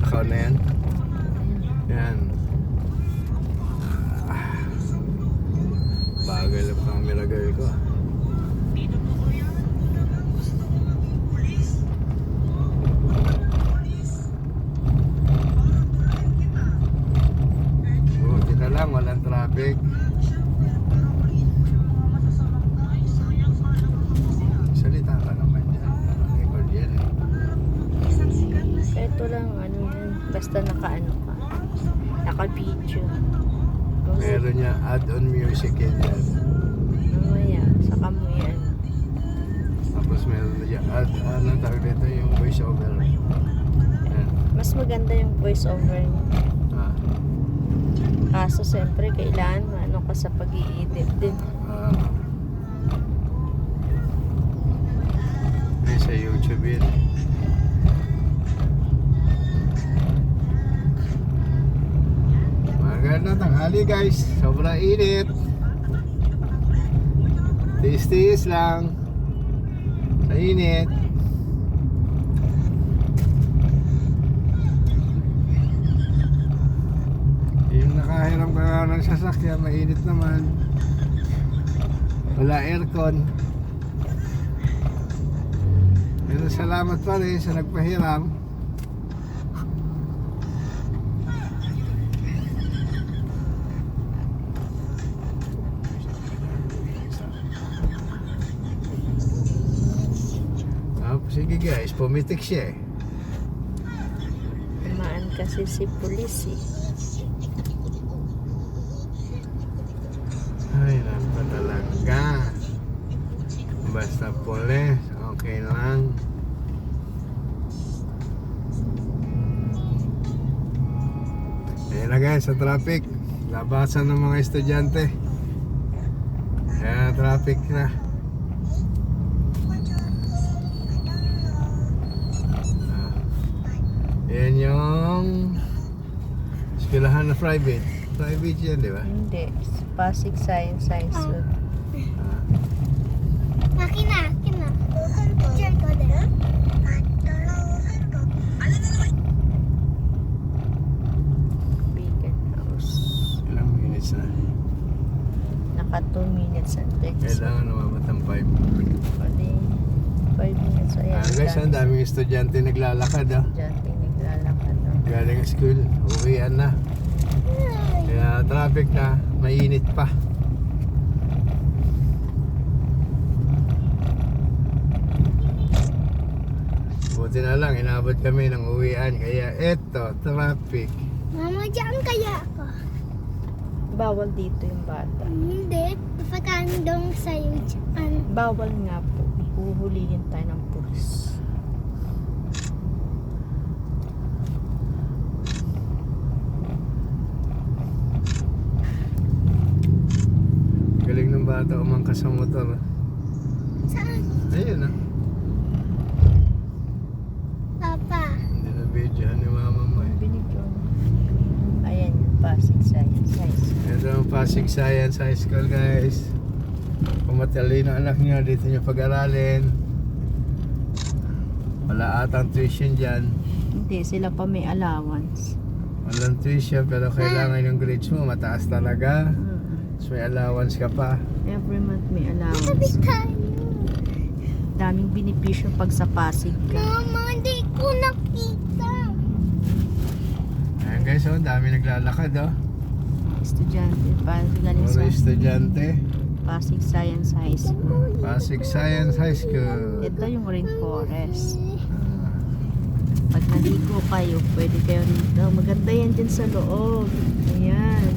Nakaw na yan. Yan. Bagal ang camera girl ko. Buti na lang, walang traffic. Salita ka naman dyan. Record yan eh. Ito lang, ano yan. Basta naka-ano ka. Naka-video. Meron niya add-on music yan dyan. Mamaya, saka mo yan. Tapos meron na dyan ano tawag dito yung voice over. Yan. Mas maganda yung voice over niya. Ah. Kaso, siyempre, kailangan ano ka sa pag-i-edit din. May sa YouTube yun. Magandang tanghali guys. Sobrang init. Tiis-tiis lang. Sa init. Yung nakahiram ka nga ng sasakyan, mainit naman. Wala aircon. Pero salamat pa rin sa nagpahiram. Sige guys, pumitik siya eh. Kumaan kasi si pulis eh. Ay, napa talaga. Basta pulis, okay lang. Ayan na guys, sa traffic. Labasan ng mga estudyante. Kaya traffic na. Yan yung eskwelahan na private. Private yan, di ba? Hindi. Pasig Science High School. Makina. Picture ko din. Beacon House. Ilang minutes na? Naka 2 minutes and 30 Kailangan umabot ng 5. Pwede 5 minutes. Ayan. Guys, ang daming estudyante naglalakad ah. Diyan naglalakad. Galing school, uwian na. Kaya traffic na, mainit pa. Buti na lang, inabot kami ng uwian. Kaya eto, traffic. Mama, diyan kaya ako. Bawal dito yung bata. Hindi. Papagandong sa'yo dyan. Bawal nga po. Huhulihin tayo ng pulis. Galing ng bata umangkas sa motor. Saan? Ayun ah. Papa. Hindi na videohan ni mama mo eh. Binigyan. Ayan yung Pasig Science High School. Ito ang Pasig Science High School guys. Kung matalino anak nyo, dito nyo pag-aralin. Wala atang tuition dyan. Hindi, sila pa may allowance. Walang tuition pero kailangan yung grades mo mataas talaga. Mm. So may allowance ka pa. Every month may Sabi allowance. tayo. Daming benepisyo pag sa Pasig ka. Mama, hindi ko nakita. Ayan guys, oh, dami naglalakad oh. Estudyante, Pasig galing Puro sa estudyante. Pasig Science High School. Pasig Science High School. Ito yung rainforest. Pag naligo kayo, pwede kayo rito. Maganda yan dyan sa loob. Ayan.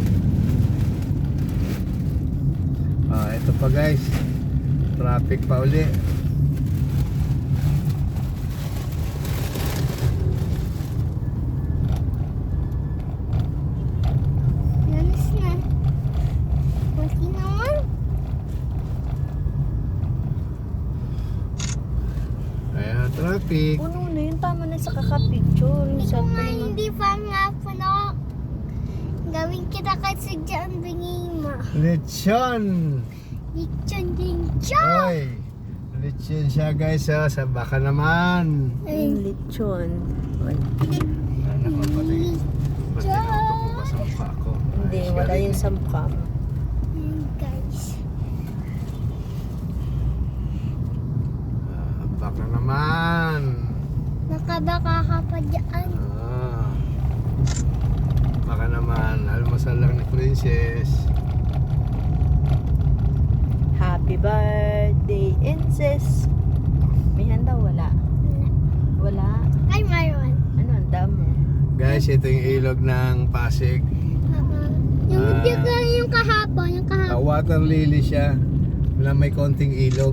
Ito pa guys. Traffic pa uli. Nanas na. Mati naman. Ayan, traffic. Puno na yun. Tama na sa kakapicture. Yung Ikaw nga cellphone mo. hindi pa nga po na gawin kita kasi dyan bingin mo. Lechon. Lechon din dyan. Oy. Lechon siya guys oh. Sa baka naman. Yung lechon. Ay, Ano ko Nawala galing. yun sa mukha mo. Guys. Baka naman. Nakabaka ka pa dyan. Baka naman. Almusal lang ni Princess. Happy birthday, Incess. May handa wala? Wala. Ay, mayroon. Ano handa mo? Guys, ito yung ilog ng Pasig. Yung yung kahapon, yung kahapon. Water lily siya na may konting ilog.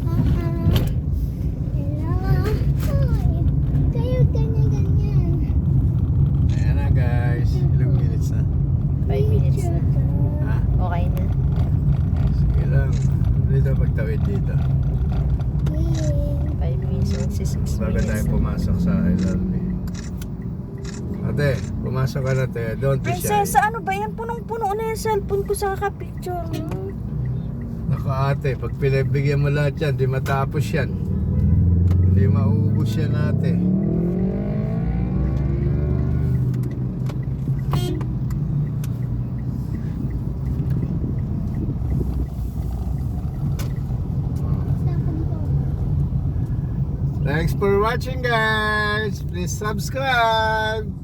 Kayo ganyan-ganyan. Ayan na guys. Ilang minutes na? 5 minutes na. Ha? Okay na. Sige lang. Dito pagtawid dito. 5 minutes, 6 Bago minutes tayo na. pumasok sa LRB. Ate, pumasok ka na te. Don't be shy. Prinsesa, ano ba yan? Punong-puno na yung cellphone ko sa kakapicture mo. Naku ate, pag pinagbigyan mo lahat yan, di matapos yan. Hindi mauubos yan ate. Thanks for watching guys. Please subscribe.